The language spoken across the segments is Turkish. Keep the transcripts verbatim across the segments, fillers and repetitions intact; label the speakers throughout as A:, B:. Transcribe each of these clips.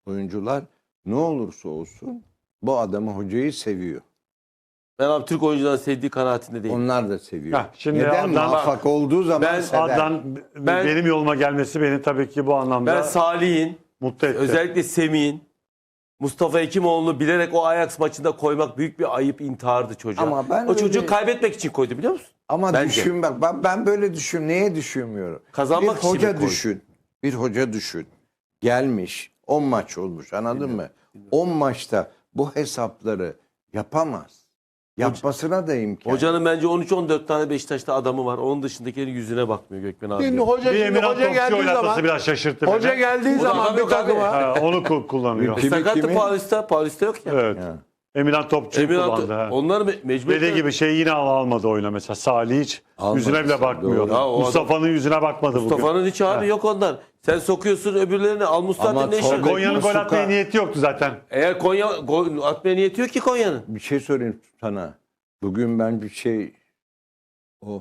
A: oyuncular ne olursa olsun bu adamı, hocayı seviyor.
B: Ben abi Türk oyuncuların sevdiği kanaatinde değilim.
A: Onlar da seviyor.
C: Heh, şimdi
A: Neden?
C: Adnan-
A: Muvaffak olduğu zaman
B: Ben-
A: sever.
C: Adnan
B: Ben-
C: benim yoluma gelmesi beni tabii ki bu anlamda
B: Ben Salih'in,
C: mutlu etti.
B: özellikle Semih'in, Mustafa Hekimoğlu'nu bilerek o Ajax maçında koymak büyük bir ayıp, intihardı çocuğa.
A: Ama ben
B: o çocuğu
A: öyle-
B: kaybetmek için koydu, biliyor musun?
A: Ama
B: Bence.
A: düşün bak, ben, ben böyle düşün, neye düşünmüyorum?
B: Kazanmak
A: bir
B: için
A: hoca
B: mi koydu?
A: düşün. Bir hoca düşün. Gelmiş, on maç olmuş, anladın mı? on maçta bu hesapları yapamaz. Yapmasına da imkan.
B: Hocanın bence on üç on dört tane Beşiktaş'ta adamı var. Onun dışındakilerin yüzüne bakmıyor Gökmen abi.
D: Şimdi hoca,
C: Bir
D: şimdi
C: Emirhan
D: hoca
C: Topçu
D: geldiği
C: oynatması
D: zaman
C: biraz şaşırttı beni.
D: hoca geldiği
B: Bu da
D: zaman
B: adam
D: bir
B: yok abi.
D: takıma
C: Ha, onu ku- kullanıyor.
A: Kimi,
B: Sakattı
A: kimi?
B: Paris'te, Paris'te yok ya.
C: Evet.
A: Ya.
C: Emirhan Topçu'yu
B: Emirhan-
C: kullandı. ha.
B: Onları me- mecbur
C: Dediği gibi şey yine al almadı oyuna mesela. Salih hiç
A: Almadı,
C: yüzüne bile bakmıyor.
A: doğru.
B: Ya o
C: Mustafa'nın yüzüne bakmadı bugün.
B: Mustafa'nın hiç abi
C: Ha.
B: yok ondan. Sen sokuyorsun öbürlerini, al
A: Ama
B: Mustafa'nın ne işi
A: Tolga-
B: var?
C: Konya'nın gol
A: Muslera-
C: atmaya niyeti yoktu zaten.
B: Eğer Konya gol atmaya niyeti yok ki Konya'nın.
A: Bir şey sorayım sana. Bugün ben bir şey... O...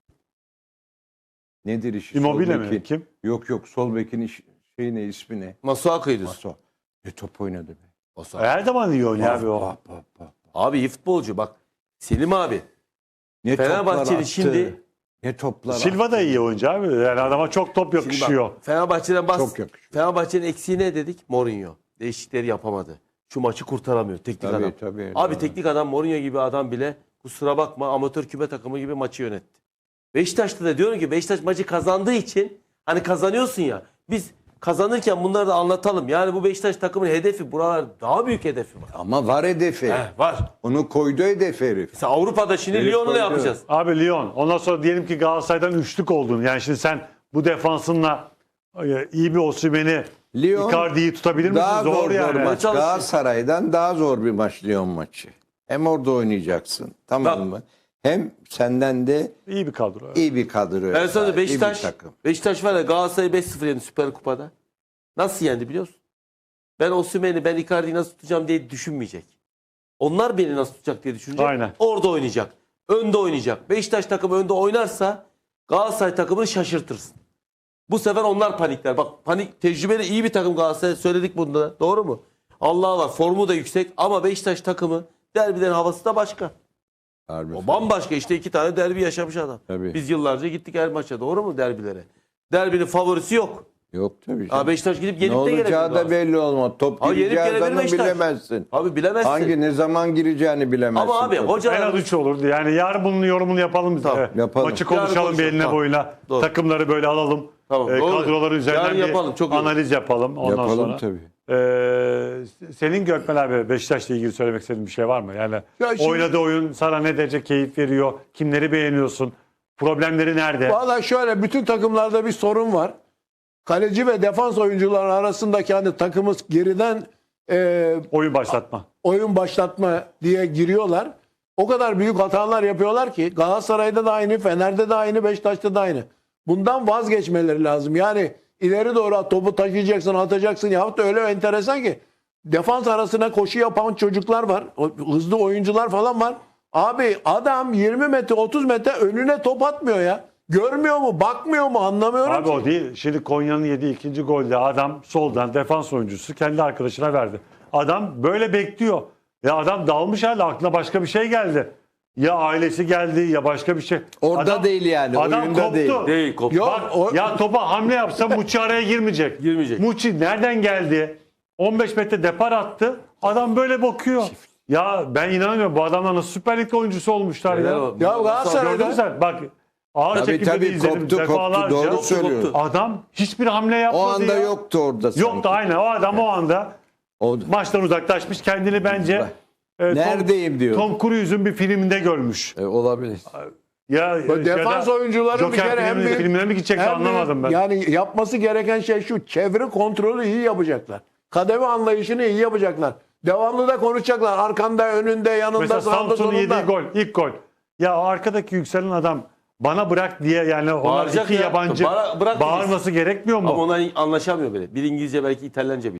A: Nedir işi?
C: Immobile
A: Sol
C: mi?
A: bekin-
C: Kim?
A: Yok yok, sol bekin iş, şey ne, ismi ne?
B: Masuaku'ydu.
A: Maso. Ne top oynadı be.
B: Masuaku.
C: Her zaman iyi oynuyor abi o.
A: Bak, bak, bak.
B: Abi iyi futbolcu bak. Selim abi.
A: Ne
B: Fenerbahçeli
A: toplar attı.
B: şimdi-
A: Ne toplar
C: Silva da iyi oyuncu abi. Yani adama çok top
B: Şimdi bak,
C: yakışıyor.
B: Fenerbahçe'den bas.
A: Çok yakışıyor.
B: Fenerbahçe'nin eksiği ne dedik? Mourinho. Değişikleri yapamadı. Şu maçı kurtaramıyor teknik
A: Tabii,
B: adam.
A: tabii.
B: Abi
A: Doğru.
B: teknik adam Mourinho gibi adam bile kusura bakma amatör küme takımı gibi maçı yönetti. Beşiktaş'ta da diyorum ki Beşiktaş maçı kazandığı için hani kazanıyorsun ya, biz kazanırken bunları da anlatalım. Yani bu Beşiktaş takımın hedefi, buralar daha büyük hedefi var.
A: Ama var hedefi.
B: Heh, var.
A: Onu koydu hedef herif.
B: Mesela Avrupa'da şimdi
A: Herif
B: Lyon'u ne
A: koydu.
B: yapacağız?
C: Abi Lyon. Ondan sonra diyelim ki Galatasaray'dan üçlük oldun. Yani şimdi sen bu defansınla e, iyi bir Osimhen'i,
A: Lyon
C: Icardi'yi tutabilir misin?
A: daha
C: Zor,
A: zor,
C: yani.
A: zor maç.
B: Çalışıyor.
A: Galatasaray'dan daha zor bir maç Lyon maçı. Hem orada oynayacaksın. Tamam
B: Bak.
A: mı? Hem senden de
C: İyi bir kadro.
A: iyi bir kadro.
B: Ben sana
A: sahip, iyi bir
B: Beşiktaş,
A: takım.
B: Beşiktaş var ya Galatasaray'ı beş sıfır yendi Süper Kupa'da. Nasıl yendi biliyor musun? Ben Osimhen'i, ben Icardi'yi nasıl tutacağım diye düşünmeyecek. Onlar beni nasıl tutacak diye düşünecek.
C: Aynen.
B: Orada oynayacak. Önde oynayacak. Beşiktaş takımı önde oynarsa Galatasaray takımını şaşırtırsın. Bu sefer onlar panikler. Bak panik, tecrübeli iyi bir takım Galatasaray, söyledik bunu da. Doğru mu? Allah var. Formu da yüksek ama Beşiktaş takımı derbilerin havası da başka.
A: Harbi.
B: O bambaşka, işte iki tane derbi yaşamış adam.
A: Tabii.
B: Biz yıllarca gittik her maça, doğru mu, derbilere? Derbinin favorisi yok.
A: Yok tabii.
B: Ha,
A: canım.
B: Beşiktaş gidip
A: Ne
B: yenip de gelebilir.
A: olacağı da belli olmaz. Top
B: Ha, yenip
A: gireceği
B: gelebilir
A: adamı
B: Beşiktaş.
A: bilemezsin.
B: Abi bilemezsin.
A: Hangi ne zaman gireceğini bilemezsin.
B: Ama abi
A: topu.
C: En
B: hocalar...
C: az üç olurdu. Yani yarın bunun yorumunu yapalım biz.
B: Tamam,
C: de.
A: yapalım.
C: Maçı
B: Yarın
C: konuşalım bir
B: konuşalım,
C: eline
B: tamam.
C: boyuna.
B: Doğru.
C: Takımları böyle alalım.
B: Tamam,
C: Ee,
B: doğru.
C: kadroları üzerinden
B: Yarın
C: bir
B: yapalım, çok iyi olur.
C: analiz yapalım. Ondan
A: Yapalım
C: sonra.
A: tabii.
C: Ee, senin Gökmen abi Beşiktaş'la ilgili söylemek istediğin bir şey var mı? Yani
D: Ya şimdi-
C: oynadığı oyun sana ne derece keyif veriyor? Kimleri beğeniyorsun? Problemleri nerede?
D: Valla şöyle, bütün takımlarda bir sorun var. Kaleci ve defans oyuncuları arasındaki hani takımı geriden e,
C: Oyun başlatma.
D: oyun başlatma diye giriyorlar. O kadar büyük hatalar yapıyorlar ki Galatasaray'da da aynı, Fener'de de aynı, Beşiktaş'ta da aynı. Bundan vazgeçmeleri lazım. Yani ileri doğru topu taşıyacaksın, atacaksın yahut da öyle enteresan ki defans arasına koşu yapan çocuklar var. o- Hızlı oyuncular falan var. Abi adam yirmi metre otuz metre önüne top atmıyor ya. Görmüyor mu? Bakmıyor mu? Anlamıyorum
C: Abi
D: ki.
C: o değil. Şimdi Konya'nın yediği ikinci golde adam soldan defans oyuncusu kendi arkadaşına verdi. Adam böyle bekliyor. Ya adam dalmış halde aklına başka bir şey geldi. Ya ailesi geldi ya başka bir şey.
A: Orada
C: Adam-
A: değil yani.
C: Adam
A: oyunda
C: koptu.
A: değil.
B: Değil, koptu.
D: Yok,
C: Bak,
D: o-
C: ya topa hamle yapsa Muçi araya girmeyecek.
B: Girmeyecek.
C: Muçi nereden geldi? on beş metre depar attı. Adam böyle bakıyor. Ya ben inanamıyorum. Bu adamlar nasıl Süper Lig oyuncusu olmuşlar
B: Neler
C: ya.
B: var?
D: Ya
C: Gördün
D: Galatasaray'da
C: mü sen? Bak ağır
A: Tabii
C: çekimde
A: tabii
C: izledim
A: koptu koptu.
C: defalarca.
A: Doğru
B: Koptu,
A: söylüyorsun.
B: koptu.
C: Adam hiçbir hamle yapmadı
A: O anda
C: ya.
A: yoktu orada sanki.
C: Yoktu aynen. O adam o anda
A: O,
C: maçtan uzaklaşmış. Kendini bence e, Tom-
A: neredeyim diyor.
C: Tom Cruise'un bir filminde görmüş.
A: E, olabilir.
C: Ya
D: Bak, defans oyuncuları bir
C: Joker
D: kere hem
C: filmine,
D: bir-
C: filmine mi gidecekti
D: hem bir-
C: anlamadım ben.
D: Yani yapması gereken şey şu: çevre kontrolü iyi yapacaklar. Kademe anlayışını iyi yapacaklar. Devamlı da konuşacaklar. Arkanda, önünde, yanında,
C: Mesela
D: sağında,
C: Samsun'un
D: solunda.
C: yediği gol, ilk gol. Ya arkadaki yükselen adam bana bırak diye yani ona
B: Bağıracak
C: iki
B: ya.
C: yabancı
B: Bana bırak
C: bağırması gerekmiyor mu?
B: Ama ona anlaşamıyor bile. Bir İngilizce, belki İtalyanca biliyor.